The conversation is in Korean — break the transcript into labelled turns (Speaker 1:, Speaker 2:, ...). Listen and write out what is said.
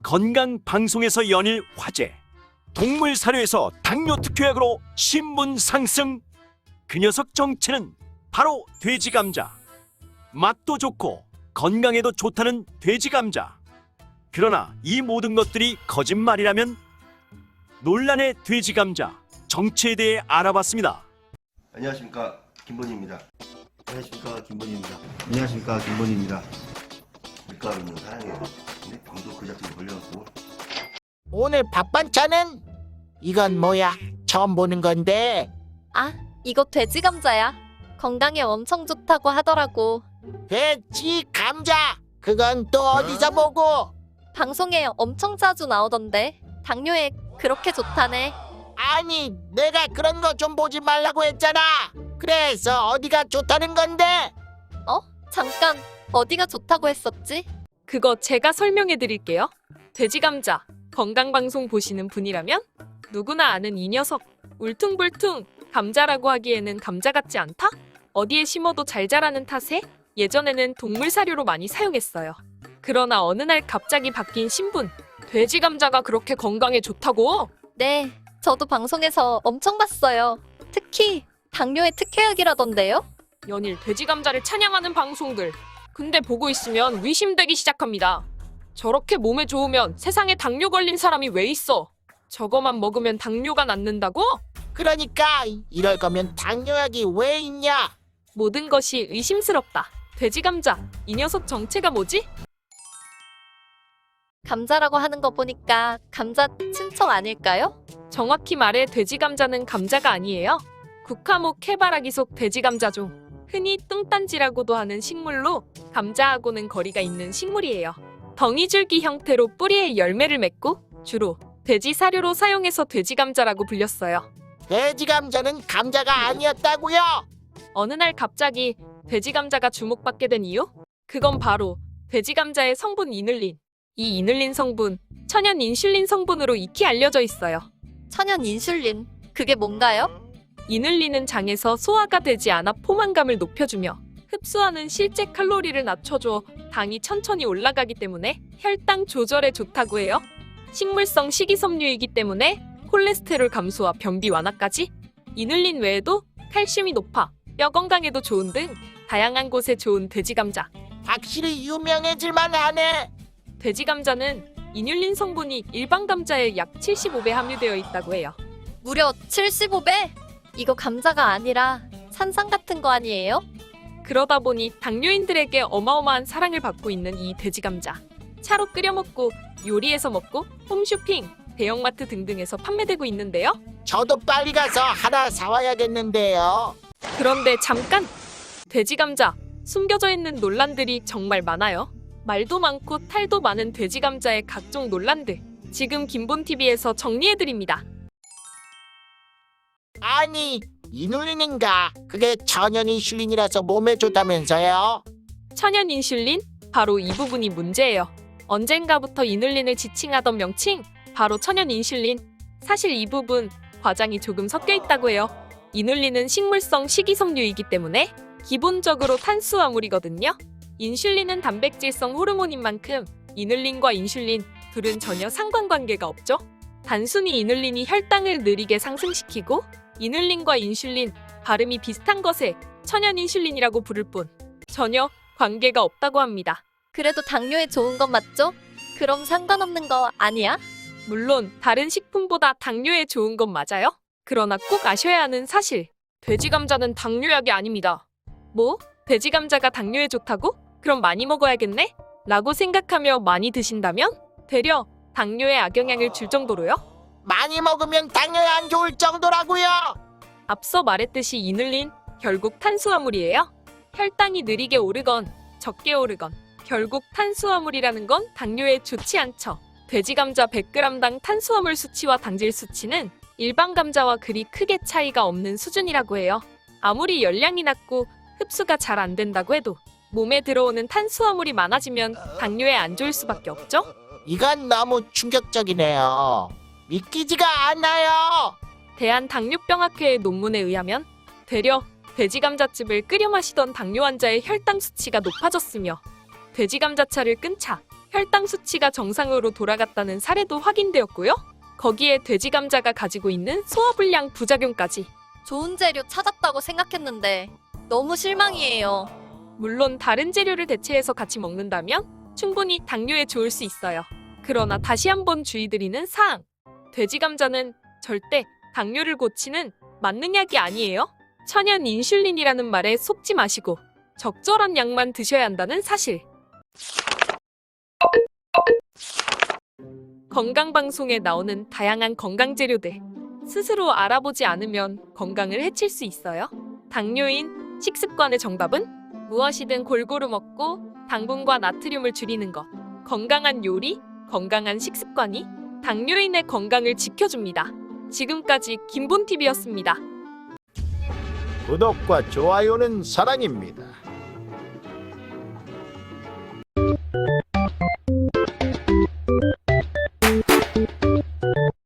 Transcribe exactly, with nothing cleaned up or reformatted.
Speaker 1: 건강 방송에서 연일 화제. 동물 사료에서 당뇨 특효약으로 신분 상승. 그 녀석 정체는 바로 돼지 감자. 맛도 좋고 건강에도 좋다는 돼지 감자. 그러나 이 모든 것들이 거짓말이라면? 논란의 돼지 감자 정체에 대해 알아봤습니다.
Speaker 2: 안녕하십니까, 김본희입니다. 안녕하십니까, 김본희입니다. 안녕하십니까, 김본희입니다. 밀가루는 사랑해요. 근데 방도 그 자체로 걸려갖고.
Speaker 3: 오늘 밥 반찬은? 이건 뭐야? 처음 보는 건데.
Speaker 4: 아, 이거 돼지 감자야. 건강에 엄청 좋다고 하더라고.
Speaker 3: 돼지 감자. 그건 또 어디서 보고?
Speaker 4: 방송에 엄청 자주 나오던데. 당뇨에 그렇게 좋다네.
Speaker 3: 아니, 내가 그런 거 좀 보지 말라고 했잖아. 그래서 어디가 좋다는 건데?
Speaker 4: 어? 잠깐, 어디가 좋다고 했었지?
Speaker 5: 그거 제가 설명해 드릴게요. 돼지 감자, 건강방송 보시는 분이라면 누구나 아는 이 녀석. 울퉁불퉁 감자라고 하기에는 감자 같지 않다? 어디에 심어도 잘 자라는 탓에 예전에는 동물 사료로 많이 사용했어요. 그러나 어느 날 갑자기 바뀐 신분. 돼지 감자가 그렇게 건강에 좋다고?
Speaker 4: 네, 저도 방송에서 엄청 봤어요. 특히 당뇨에 특효약이라던데요?
Speaker 5: 연일 돼지 감자를 찬양하는 방송들. 근데 보고 있으면 의심되기 시작합니다. 저렇게 몸에 좋으면 세상에 당뇨 걸린 사람이 왜 있어? 저거만 먹으면 당뇨가 낫는다고?
Speaker 3: 그러니까 이럴 거면 당뇨약이 왜 있냐?
Speaker 5: 모든 것이 의심스럽다. 돼지 감자, 이 녀석 정체가 뭐지?
Speaker 4: 감자라고 하는 거 보니까 감자 친척 아닐까요?
Speaker 5: 정확히 말해 돼지 감자는 감자가 아니에요. 국화목 해바라기 속 돼지 감자종. 흔히 뚱딴지라고도 하는 식물로 감자하고는 거리가 있는 식물이에요. 덩이줄기 형태로 뿌리에 열매를 맺고 주로 돼지 사료로 사용해서 돼지 감자라고 불렸어요.
Speaker 3: 돼지 감자는 감자가 아니었다고요?
Speaker 5: 어느 날 갑자기 돼지 감자가 주목받게 된 이유? 그건 바로 돼지 감자의 성분 이눌린. 이 이눌린 성분, 천연 인슐린 성분으로 익히 알려져 있어요.
Speaker 4: 천연 인슐린, 그게 뭔가요?
Speaker 5: 이눌린은 장에서 소화가 되지 않아 포만감을 높여주며 흡수하는 실제 칼로리를 낮춰줘 당이 천천히 올라가기 때문에 혈당 조절에 좋다고 해요. 식물성 식이섬유이기 때문에 콜레스테롤 감소와 변비 완화까지. 이눌린 외에도 칼슘이 높아 뼈 건강에도 좋은 등 다양한 곳에 좋은 돼지 감자.
Speaker 3: 확실히 유명해질만 하네.
Speaker 5: 돼지 감자는 이눌린 성분이 일반 감자의 약 칠십오 배 함유되어 있다고 해요.
Speaker 4: 무려 칠십오 배? 이거 감자가 아니라 산삼 같은 거 아니에요?
Speaker 5: 그러다 보니 당뇨인들에게 어마어마한 사랑을 받고 있는 이 돼지 감자. 차로 끓여 먹고 요리해서 먹고 홈쇼핑, 대형마트 등등에서 판매되고 있는데요.
Speaker 3: 저도 빨리 가서 하나 사와야겠는데요.
Speaker 5: 그런데 잠깐! 돼지 감자, 숨겨져 있는 논란들이 정말 많아요. 말도 많고 탈도 많은 돼지 감자의 각종 논란들. 지금 김본티비에서 정리해드립니다.
Speaker 3: 아니, 이눌린인가? 그게 천연 인슐린이라서 몸에 좋다면서요?
Speaker 5: 천연 인슐린? 바로 이 부분이 문제예요. 언젠가부터 이눌린을 지칭하던 명칭, 바로 천연 인슐린. 사실 이 부분 과장이 조금 섞여 있다고 해요. 이눌린은 식물성 식이섬유이기 때문에 기본적으로 탄수화물이거든요. 인슐린은 단백질성 호르몬인 만큼 이눌린과 인슐린 둘은 전혀 상관관계가 없죠. 단순히 이눌린이 혈당을 느리게 상승시키고 이눌린과 인슐린 발음이 비슷한 것에 천연 인슐린이라고 부를 뿐 전혀 관계가 없다고 합니다.
Speaker 4: 그래도 당뇨에 좋은 건 맞죠? 그럼 상관없는 거 아니야?
Speaker 5: 물론 다른 식품보다 당뇨에 좋은 건 맞아요. 그러나 꼭 아셔야 하는 사실. 돼지 감자는 당뇨약이 아닙니다. 뭐? 돼지 감자가 당뇨에 좋다고? 그럼 많이 먹어야겠네? 라고 생각하며 많이 드신다면 되려 당뇨에 악영향을 줄 정도로요?
Speaker 3: 많이 먹으면 당뇨에 안 좋을 정도라고요.
Speaker 5: 앞서 말했듯이 이눌린 결국 탄수화물이에요. 혈당이 느리게 오르건 적게 오르건 결국 탄수화물이라는 건 당뇨에 좋지 않죠. 돼지 감자 백 그램당 탄수화물 수치와 당질 수치는 일반 감자와 그리 크게 차이가 없는 수준이라고 해요. 아무리 열량이 낮고 흡수가 잘 안 된다고 해도 몸에 들어오는 탄수화물이 많아지면 당뇨에 안 좋을 수밖에 없죠?
Speaker 3: 이건 너무 충격적이네요. 믿기지가 않아요.
Speaker 5: 대한당뇨병학회의 논문에 의하면 되려 돼지 감자즙을 끓여 마시던 당뇨 환자의 혈당 수치가 높아졌으며 돼지 감자차를 끈 차, 혈당 수치가 정상으로 돌아갔다는 사례도 확인되었고요. 거기에 돼지 감자가 가지고 있는 소화불량 부작용까지.
Speaker 4: 좋은 재료 찾았다고 생각했는데 너무 실망이에요.
Speaker 5: 물론 다른 재료를 대체해서 같이 먹는다면 충분히 당뇨에 좋을 수 있어요. 그러나 다시 한번 주의드리는 사항. 돼지 감자는 절대 당뇨를 고치는 만능약이 아니에요. 천연 인슐린이라는 말에 속지 마시고 적절한 양만 드셔야 한다는 사실. 건강방송에 나오는 다양한 건강 재료들. 스스로 알아보지 않으면 건강을 해칠 수 있어요. 당뇨인 식습관의 정답은 무엇이든 골고루 먹고 당분과 나트륨을 줄이는 것. 건강한 요리, 건강한 식습관이 당뇨인의 건강을 지켜줍니다. 지금까지 김본티비였습니다.
Speaker 6: 구독과 좋아요는 사랑입니다.